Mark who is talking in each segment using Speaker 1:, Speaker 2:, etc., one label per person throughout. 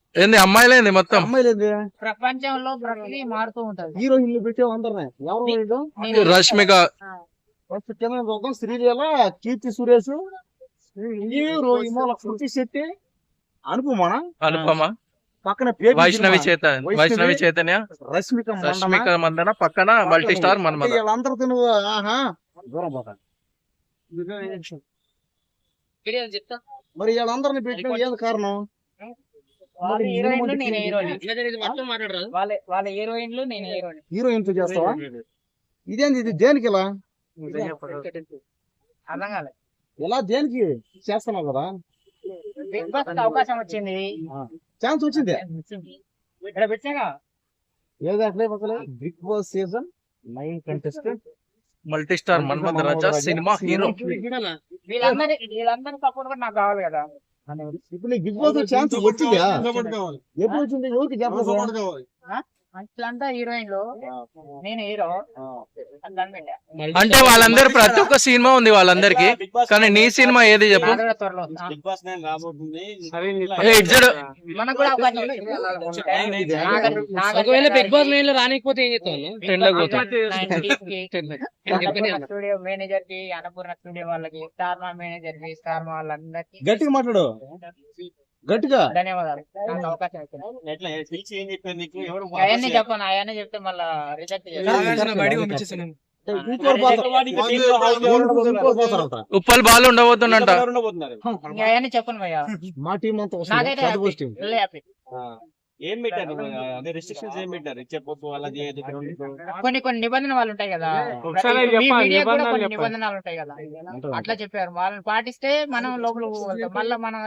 Speaker 1: ఏంది అమ్మాయిలేంది మొత్తం
Speaker 2: అమ్మాయిలేదు
Speaker 3: ప్రపంచంలో ప్రతిదీ మారుతూ ఉంటది.
Speaker 2: హీరోయిన్లు పెట్టావు అందరినీ ఎవరు
Speaker 1: రష్మిక
Speaker 2: ఫస్ట్ కింద చూద్దాం. శ్రీలీల, కీర్తి సురేష్, హీరో ఇమోల శృతి శెట్టి, అనుపమన,
Speaker 1: అనుపమ,
Speaker 2: పక్కన పేరు
Speaker 1: వైష్ణవి చైతన్య,
Speaker 2: రష్మిక
Speaker 1: రష్మిక మందన, పక్కన మల్టీ స్టార్ మన్మథ.
Speaker 2: వీళ్ళందరితో నువ్వు ఆహా దూరం పోతా.
Speaker 3: చెప్తా.
Speaker 2: మరి వీళ్ళందరినీ పెట్టిన ఏది కారణం?
Speaker 3: వాళ్ళ హీరోయిన్లు నేను హీరోయిన్. వాళ్ళ హీరోయిన్లు నేను హీరోయిన్.
Speaker 2: హీరోయిన్ తో చేస్తావా? ఇదేంది ఇది దేనికి ఇలా
Speaker 3: అర్థం కాలేదు.
Speaker 2: ఇలా దేనికి చేస్తున్నావు కదా?
Speaker 3: బిగ్ బాస్ అవకాశం వచ్చింది,
Speaker 2: ఛాన్స్ వచ్చింది.
Speaker 3: ఇక్కడ పెట్టాగా
Speaker 2: ఏది అట్లే big boss season 9 contestant
Speaker 1: multi star Manmatha Raja cinema hero.
Speaker 3: వీళ్ళందరి సపోర్ట్ కూడా నాకు కావాలి కదా.
Speaker 2: ఇప్పుడు నీకు బిగ్ బాస్ ఛాన్స్ వచ్చిందా? ఎప్పుడు వచ్చింది? ఎవరికి చెప్పలేదు.
Speaker 3: అట్లంతా హీరోయిన్లు, నేను హీరో.
Speaker 1: అంటే వాళ్ళందరూ ప్రతి ఒక్క సినిమా ఉంది వాళ్ళందరికి, కానీ నీ సినిమా ఏది చెప్పు?
Speaker 3: త్వరలో
Speaker 4: మనకు కూడా ఒకవేళ బిగ్ బాస్ మెయిన్ లో రానికపోతే ఏం చేస్తాను?
Speaker 3: స్టూడియో మేనేజర్ కి, అన్నపూర్ణ స్టూడియో వాళ్ళకి, స్టార్ మా మేనేజర్ కి, స్టార్ మా వాళ్ళందరికి
Speaker 2: గట్టిగా మాట్లాడు, గట్టిగా.
Speaker 3: ధన్యవాదాలు. నాకు అవకాశం అవన్నీ చెప్పను, అవన్నీ చెప్తే మళ్ళా రిజెక్ట్ చేస్తాను.
Speaker 1: ఉప్పల్ బాల్ ఉండబోతుందంట.
Speaker 3: అవన్నీ చెప్పను భయ్యా.
Speaker 2: మా టీం అంతా
Speaker 3: నాకైతే హ్యాపీ.
Speaker 5: ఏం పెట్టారు? అదే రిస్ట్రిక్షన్స్ ఏం పెట్టారు? ఇచ్చేపోతు అలా చేయదు.
Speaker 3: కొన్ని నిబంధనలు వాళ్ళు ఉంటాయి కదా, కొన్ని నిబంధనలు ఉంటాయి కదా, అట్లా చెప్పారు. వాళ్ళని పాటిస్తే మనం లోపల పోగలుగుతాం. మళ్ళీ మనం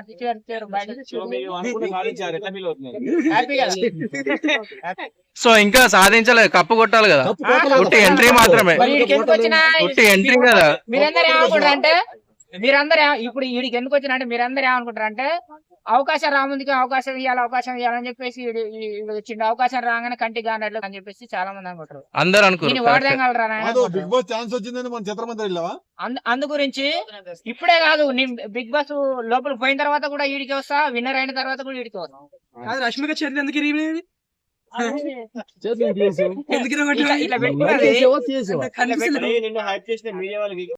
Speaker 1: సో ఇంకా సాధించలేదు, కప్పు కొట్టాలి కదా. ఉట్టి ఎంట్రీ మాత్రమే, ఉట్టి ఎంట్రీ కదా.
Speaker 3: మీరందరూ ఏమనుకుంటారు అంటే, ఇప్పుడు వీడికి ఎందుకు వచ్చిన అంటే మీరందరూ ఏమనుకుంటారు అంటే, అవకాశం రాముందుకి అవకాశం ఇవ్వాలని చెప్పేసి వచ్చిండు. అవకాశం రాగానే కంటికి కానట్లు అని చెప్పేసి చాలా మంది అనుకుంటారు.
Speaker 1: అందరు అనుకుంటారు.
Speaker 3: అందు గురించి ఇప్పుడే కాదు, బిగ్ బాస్ లోపలికి పోయిన తర్వాత కూడా వీడికి వస్తా, విన్నర్ అయిన తర్వాత కూడా వీడికి వస్తా.
Speaker 4: రష్మిక చేతులు ఎందుకు
Speaker 3: ఇట్లా పెట్టుకున్నది
Speaker 5: నిన్ను హైప్ చేసిన మీడియా వాళ్ళకి